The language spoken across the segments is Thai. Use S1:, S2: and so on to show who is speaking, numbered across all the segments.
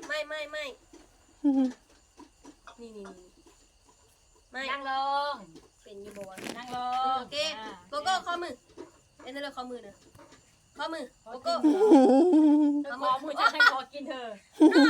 S1: ไม่นี่ไม่
S2: นั่งลง
S1: เป็นอยู่บ่วะ
S2: นั่งลง
S1: โอเคโกโก้ข้อมือเป็นอะไรข้อมือนะข้อมือโกโก้
S2: ขอมือจะให้ขอกินเธอน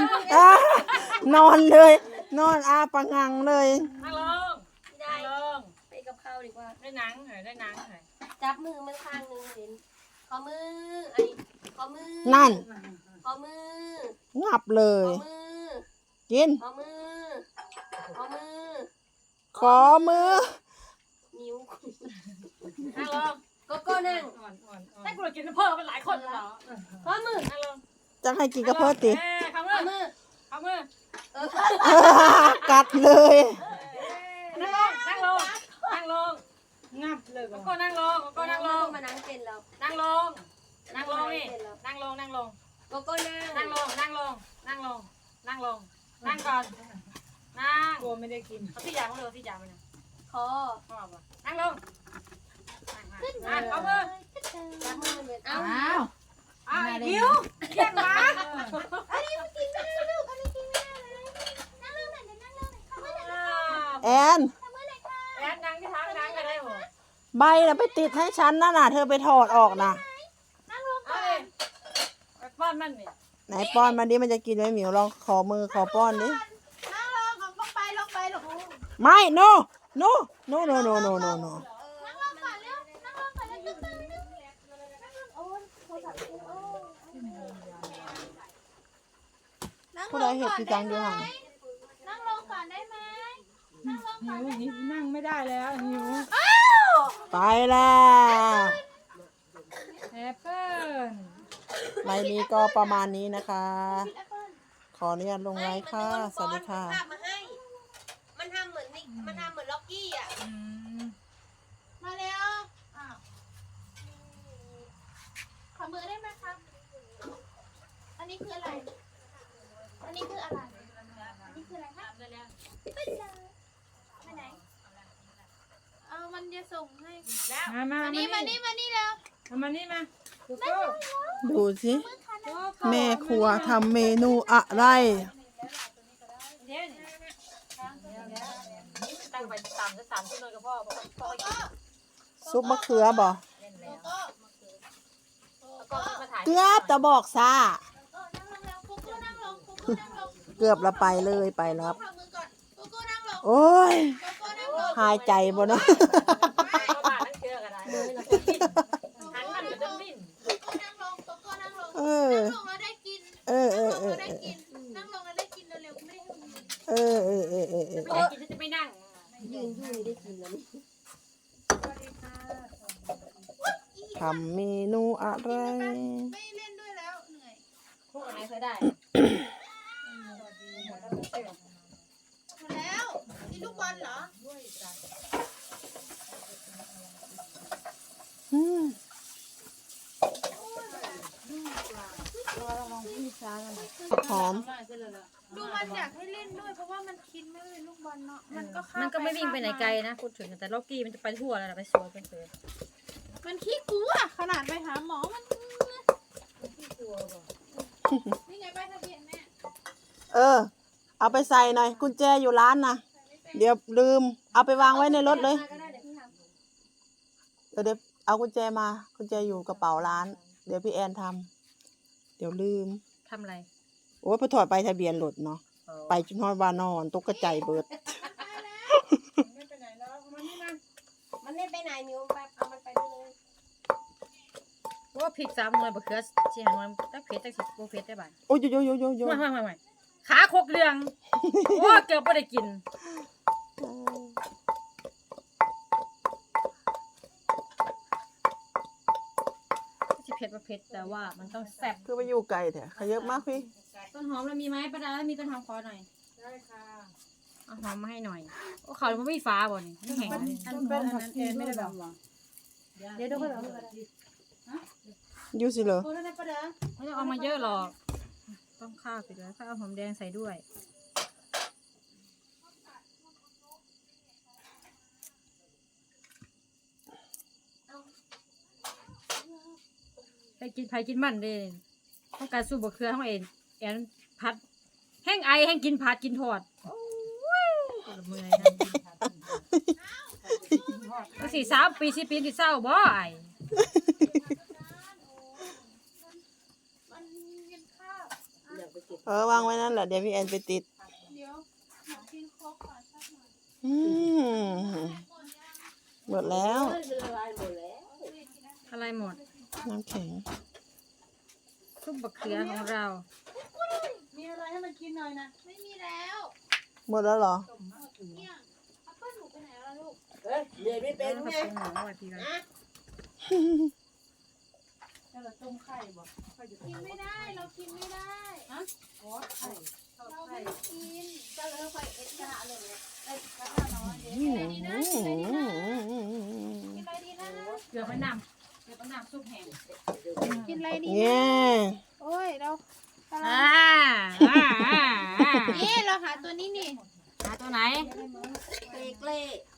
S3: อนเลยนอนอาปะงังเลย
S2: นั่งลง
S1: ได้
S2: นั่งลง
S1: ไปกับข้าวดีกว่า
S2: ได้หนังเหรอได้หนังเหรอ
S1: จับมือมันข้างนึงเห็นข้อมืออันนี้ข้อมือ
S3: นั่น
S1: ข้อมือ
S3: งับเล
S1: ข้อย มือ
S3: กิน
S1: ข้อมือข้อมือ
S3: ขอมือ
S1: นิ้ว
S2: นั่งลง
S1: โกโก้นั่ง
S2: ให้กูกินเพิ่มมันหลายคนเหรอ
S1: ข้อมือ
S2: นั่งลง
S3: จะให้กินกระเพาะติ
S2: ข้า
S1: ข้อ
S2: มื
S1: มื
S2: อ
S1: อ
S2: ข้ามือ
S3: กัดเลย
S2: นั่งลงนั่งลงนั่งลงงับเลยก็นั่งลงก็นั่งลง
S1: มานั่งเป็นเรา
S2: นั่งลงนั่งลงนี่นั่งลงนั่งลง
S1: โกโก้นั่ง
S2: นั่งลงนั่งลงนั่งลงนั่งลงนั่งก่อนนั่ง
S4: กลัวไม่ได้กิน
S2: เอาที่ยางมาเลยที่ยางมาเนี่ย
S1: คอ
S2: นั่งลงนั่งเอามือ
S1: จับมือมันเป็นเอ้า
S4: อ้าว
S2: อ้าวหิวเยี่ยงมา
S3: แอน
S2: แอนนั่งที่ทางนั่งก็ได้หมด
S3: ใบน่ะไปติดให้ฉันนั่นน่ะเธอไปถอดออกนะ
S2: เอาเลยไปป้อนมันนี่
S3: ไหนป้อนมาดิมันจะกินไหมหมิวลองขอมือขอป้อนดิ
S4: นั่งลงลงไปลงไปลง
S3: ไม่ no no no no no no no no
S4: นั่งลงก่อนเร็วนั่งลงก่อนเร็วตึ้งๆเร็วนั่ง
S3: ผู้
S4: ล
S3: ใด
S4: ง
S3: เห็ด
S4: ก่อน
S3: พี่
S4: ได้
S3: จัง
S4: ไห
S3: อ
S4: ม
S3: ยู่ห่าง
S4: นั่งลงก่อนได้ไหมนั่งลงก่อน
S5: หิวนั่งไม่ได้แล้วหิว
S3: ไปแล้ว
S5: แอปเปิ้ล
S3: ใบนี้ก็ประมาณนี้นะคะ ขออนุญาตลงไลค์ค่ะ สวัสดีค่ะ
S1: ภาพมาให้ มันทำเหมือนนี่มันทำเหมือนล็อกกี้อ่ะ
S4: มาเร็วอ้าวขอมือได้ไหมครับอันนี้คืออะไรอันนี้คืออะไรอันนี้คืออะไรครับไปเลยไปไหนเอามันจะส่งให้
S5: มา
S4: มานี่มานี่มานี่แล้ว
S5: มานี่มาโกโก้
S3: ดูสิแม่ครัวทำเมนูอะไร
S2: เดี๋ยวตั้งไป3 ชั่วโมงกับพ่อ
S3: ซุปมะเขือบ่
S2: แล้วก็มาถ่าย
S3: เกือบจะบอกซา
S4: นั่งลงแล้วกูกูนั่งลงกูกูนั่งลง
S3: เกือบละไปเลยไปรับ
S4: ทำมือก่อนกูกูนั่งลง
S3: โอ้ย
S4: กูกูนั่งลง
S3: หายใจบ่เนาะ
S2: เข้ามาตั้งเชื่อกันได้หันมันจะดิ้น
S4: กูกูนั่งลงกูกูนั่งลง
S3: เออ
S4: นั่งลงแล้วได้กิน
S3: เออ
S4: นั่ง
S3: เอ
S4: ล
S3: อง เออ
S4: แล้วได้กินนั่งลงแล้วได้กินเร็วๆไม่ได้ทำมือ
S3: เออเออเออเออเออ
S2: ไม่ได้กินจะไม่นั่ง
S1: ยืนอยู่ได้กินแล้วนี่
S3: ทำเมนูอะไร
S4: ไม่เล่นด้วยแล้วเหนื่อย
S2: พวกอะไรเคยได้
S4: หมดแล้วนี่ลูกบอลเหรอ
S3: อืม หอม
S4: ดูมันอยากให้เล่นด้วยเพราะว่ามันคิดไม่เป็นลูกบอลเนาะมันก็ข้า
S2: มันก็ไม่วิ่งไปไหนไกลนะพูดถึงแต่ล็อกกี้มันจะไปทั่วแล้วไปสวยเป็นเสือ
S4: มันขี้กลัวขนาดไปหาหมอมันนี่ไงป้ายทะเบียนแม่
S3: เออ เอาไปใส่หน่อย กุญแจอยู่ร้านนะเดี๋ยวลืม เอาไปวางไว้ในรถเลย
S1: ก็ได้เดี๋ยวพี่ทำ
S3: เดี๋ยวเอากุญแจมา กุญแจอยู่กระเป๋าร้าน เดี๋ยวพี่แอนทำเดี๋ยวลืม
S2: ทำอะไร
S3: โอ้ยพอถอดไปทะเบียนรถเนาะ ไปจนฮอดวานอนตกกระใจเบิด
S5: ไม่ไปไหนแล้วมานี่มา
S1: มันไม่ไปไหนมิวไปเอามันไปด้วยเลย
S2: ว่าพริก3 หน่วยบะเขือชีหันมันตั้งเผ็ดตั้ง10โบเผ็ดได้บ่าย
S3: โอ้ยโยโยโยโย
S2: ไม่ขาโคกเรืองโอ้เกือบไม่ได้กินจะเผ็ดประเผ็ดแต่ว่ามันต้องแซ่บ
S3: คือไปอยู่ไกลแท้ขยับมากพี่
S2: ต้นหอมเรามีไหมป้าดามีต้นหอมขอหน่อย
S5: ได้ค่ะ
S2: เอาหอมมาให้หน่อยโอ้เขามันไม่ฟ้าบ่นี่ไม่แห้งเลย
S5: ต้นเป็นอันนั้นเองไม่ได้แบบ
S2: เดี๋ยวดูกัน
S3: อยู่สิเหรอ
S4: โอ้ได้ปะเด้อ
S2: ไม่ต้องเอามาเยอะหรอกต้องข้าวไปแล้วถ้าเอาหอมแดงใส่ด้วยใครกินมันเด้ต้องการสูบบะเขือทั้งเอ็นแอนพัดแห้งไอแห้งกินผัดกินทอดเมื่อยก็3 ปี4 ปีที่เศร้าบ่ไอ
S4: มันกินข้าว
S3: วางไว้นั่นแหละเดี๋ยวพี่แอนไปติด
S4: เดี๋ยวหนูกินโค้กก่อนสักหน่อย
S3: อืมหมดแล้ว
S2: อะไรหมด
S3: น้ำแข็ง
S2: ซุปบักเขือของเรา
S5: มีอะไรให้มันกินหน่อยนะ
S4: ไม่มีแล้ว
S3: หมดแล้วเหรอ
S4: เนี่ยอัปเปิ้ลหนูไปไหนแล้วลูก
S3: เดี๋ยวไม่เป็นไง
S5: ถ้าเราต้มไข่บ่ค่อยจะ
S4: กินไม่ได้เรากินไม่ได้
S5: ขอไข่ทอด
S4: เรา
S5: ไข่
S4: ไม่ได้กินก็เลยค่อยเอ็ดกระทะเลยกระทะน้อยเดี๋ยว
S3: อื
S4: กินอะไรดีนะกินอะไรดีนะ
S3: ม
S4: กินอะไรดีนะ
S2: เกือบไปน้ำซุปแห้ง
S4: กินอะไรดี
S3: เนี่ย
S4: โอ้ยเรากำลั
S2: อ่าง
S4: นี่เราหาตัวนี้นี่
S2: หาตัวไหน
S1: เกล้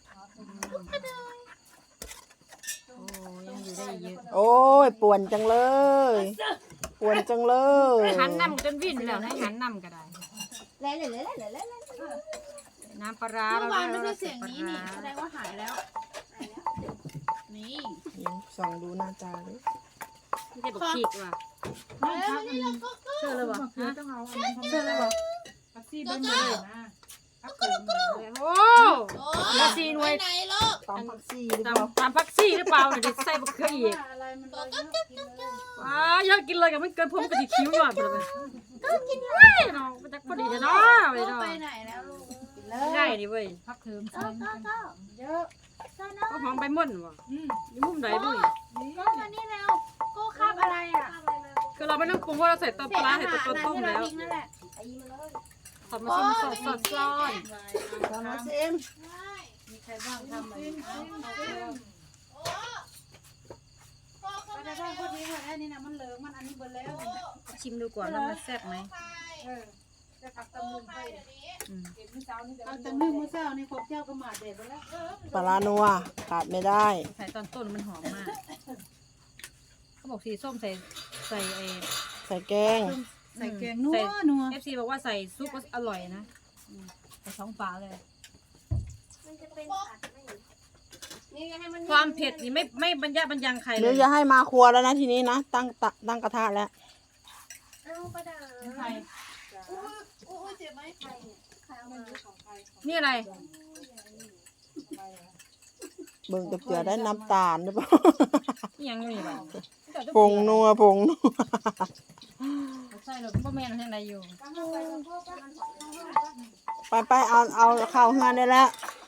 S2: โอ้ยังอยู่ได้เยอะ
S3: โอ้ยป่วนจังเลยป่วนจังเลย
S2: หันน้ำจนวิ่นแล้วให้หันน้ำก็ได้
S1: เล่เล่เล่เล่เล่
S2: น้ำปลาร้า
S4: เมื่อวานไม่
S2: เรา
S4: ใช่เสียงนี้นี่แสดงว่าหายแล้วนี่
S3: ยังส่องดูหน้าตาเลย
S2: ไม่ใช่บักขีกว่ะ
S4: แล้วนี่เราก็
S2: เชื่อเลยบ่
S5: คือ
S2: ฮะ
S5: ต้องเอาอันนั้นเชื่อเลยบ่ปักซี่เบิ้งเลยนะพักเกินเลย
S2: โอ้
S4: โอ้
S2: เหลือ4 หน่วย
S4: ไปไหนลูก
S3: ตามพักซี่หรือเปล่า
S2: ตามพักซี่หรือเปล่าเนี่ยใส่บักเขืออีก
S5: อะไรมันเลยเยอะกินเลย
S2: ว้าอยากกินเลยกับมันเกินผมกะทิคิ้วหยอดไปเลยก็กินเลยเนาะมันจะพอดีเนาะไป
S4: ลูก
S2: เนาะ
S4: ไปไหนแล้วลูก
S2: ไม่ได้ดิเว้ย
S5: พักเทิม
S4: ก็
S5: เยอะ
S2: ก็หอมใบม่อนว่ะ
S5: อืม
S2: อยู่มุมไหนบุ้ย
S4: ก็มานี่แล้วก็คาบอะไรอ่ะ
S2: คือเราไม่ต้องปรุงเพราะเราใส่ต้นปลาใส่ต้นต้ม
S4: ที่เรา
S2: แล้ว
S4: ทิ้งนั่นแหละ
S2: สดมาชิมสดสดซ้อน
S3: ตามมาซิม
S5: มีใครบ้างทำอะไร
S4: โอ้พ่อเขา
S5: ไป
S4: มา
S5: ได้
S4: แล้ว
S5: บ้างพอดีว่าอันนี้นะมันเหลืองมันอันนี้เบิดแล้ว
S2: ชิมดูก่อนว่ามันแซ่บไหม
S5: เออจะผักตำลึงไป
S2: อืม
S5: เห็นเมื่อเช้านี่ผักตำลึงเมื่อเช้านี่ขบเจ้าก็มาเด็ดไปแล้ว
S3: ปลาร้านัวขาดไม่ได้
S2: ใส่ตอนต้นมันหอมมากเขาบอกสีส้มใส่ใส่เอ
S3: ใส่แกง
S5: ใส่แกงนัวนัว
S2: FC บอกว่าใส่ซุปก็อร่อยนะใส่2 ฝาเลย
S1: มันจะเป็นผัดไม่นี่ให้มัน
S2: ความเผ็ดนี่ไม่บรรยะบรรยังใครเล
S3: เดี๋ยวย จะให้มาครัวแล้วนะทีนี้นะตั้งกระทะแล้ว
S1: เอาประดา
S5: ใคร
S4: โอ้ยเจ็บไหมใครเนี่ย
S1: ใครเอามา
S5: ของใคร
S2: นี่อะไร
S3: เบิ่งกับเกลือได้น้ำตาลหรือเปล่า
S2: นี่ยังอยู่นี่บ่
S3: ผงนัวผงนัว
S2: ใส่หรอกพ่อแม่เราที่ไหนอยู่
S3: ไปเอาข้าวเฮือนได้แล้ว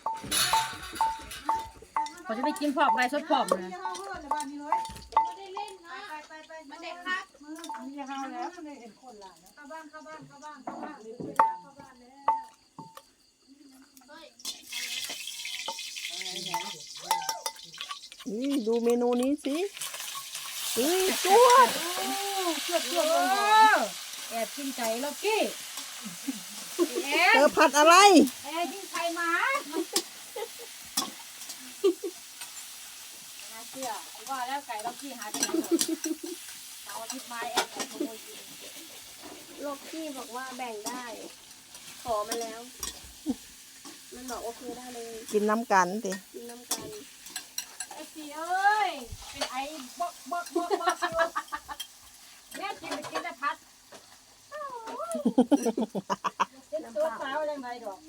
S2: ขอจะไปกินพร้อมไรสดพร้อมเลย
S4: ไม่ได้เล่นนะมันเด็กครับ
S5: มีเฮาแล้วไม่เห็นคนหลานนะเข้าบ้านเข้าบ้านเข้าบ้านเข้าบ้าน
S3: นี่ดูเมนูนี้สินี่จวด
S2: แอบกินไก่ล็อกกี้
S3: เธอผัดอะไร
S2: แอบกินไข่หมาน่าเชื่อว่าแล้วไก่ล็อกกี้หายไปไหนหมดเอาอาทิตย์มาแอบขโมยกิน
S1: โลกที่บอกว่าแบ่งได้ ขอมาแล้ว มันบอกโอเคได้เลย
S3: กินน้ำกันสิ
S1: กินน้ำกัน
S2: ไอ้สีเอ้ยเป็นไอ้บ๊อกอยู่แม่กินไปกินแต่พัดเป็นตัวสาวยังไงดอก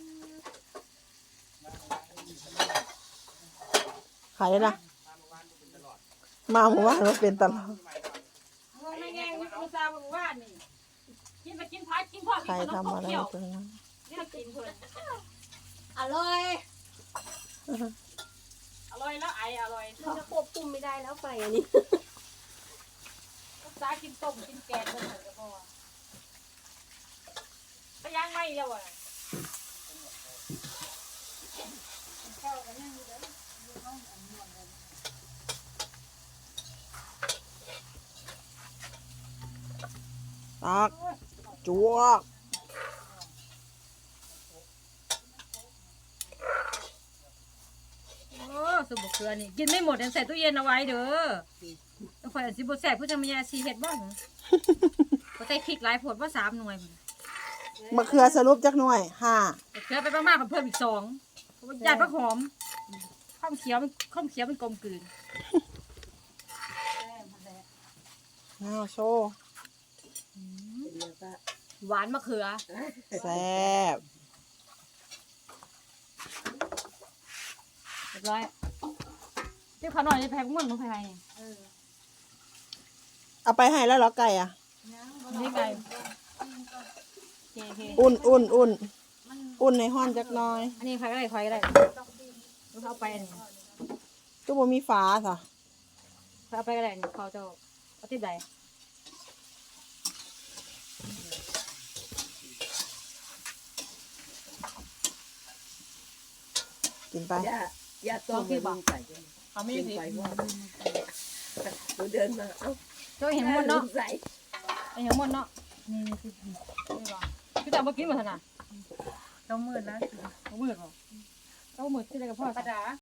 S3: ใครนะมาหมู่บ้านมาเป็นตลอด
S2: มึงไม่แง่งอุตส่าห์บอกว่านี่กินไปกินพัดกินพอ
S3: ใคร
S2: กินขนม
S3: ทำอะไร
S2: เกี่ยว
S3: ตรงนั้น
S2: นี่กินเพื่อน
S1: อร่อย
S2: อร่อยแล้วไออร่อย
S1: มันจะควบคุมไม่ได้แล้วไฟอันนี้
S2: อุตส่าห์กินต้มกินแกงเลยก็พอก็ยังไม่แล้วอ่ะ
S3: ตักจวก
S2: โอ้สุบกเกลือนี่กินไม่หมดยังใส่ตู้เย็นเอาไว้เด้อต้องคอยสิบแสบผู้จะมียาซีเห็ดบ้างก็ใส่พริกหลายผดว่า3 หน่วย
S3: มะเขือสรุปจักหน่วย5
S2: เขือไปมากๆเพิ่มอีก2เพราะว่าญาติผักหอมข้าวเขียวมันกลมกลืน
S3: อ้าวโชว์
S2: หวานมะเขือ
S3: แซ่บ
S2: เรียบร้อยเรียกเขาหน่อยจะแพ้พวกมันภายใน
S3: เอาไปให้แล้วเหรอไก่อ่ะ
S2: นี่ไงโอเค
S3: อุ่นในห้อนจักหน่อย
S2: อันนี้ใครก็ได้เอาไปอันนี้
S3: ก็บ่มีฝาซะ
S2: เอาไปก็ได้นี่เขาจะเอาติดใด
S3: กินไป
S6: อย่าต้มมันใส่
S2: เขาไม่ได้สิ
S6: ใส่ว่าหนูเดินมาเอ้า
S2: เจ้าเห็นหมดเนาะ
S6: ใส่
S2: เห็นหมดเนาะนี่พี่แต่เมื่อกี้มาขนาด
S5: ต้องมืดแล้ว
S2: เอามือก่อนเอามือที่ไหนกับพ่อ
S5: ประดา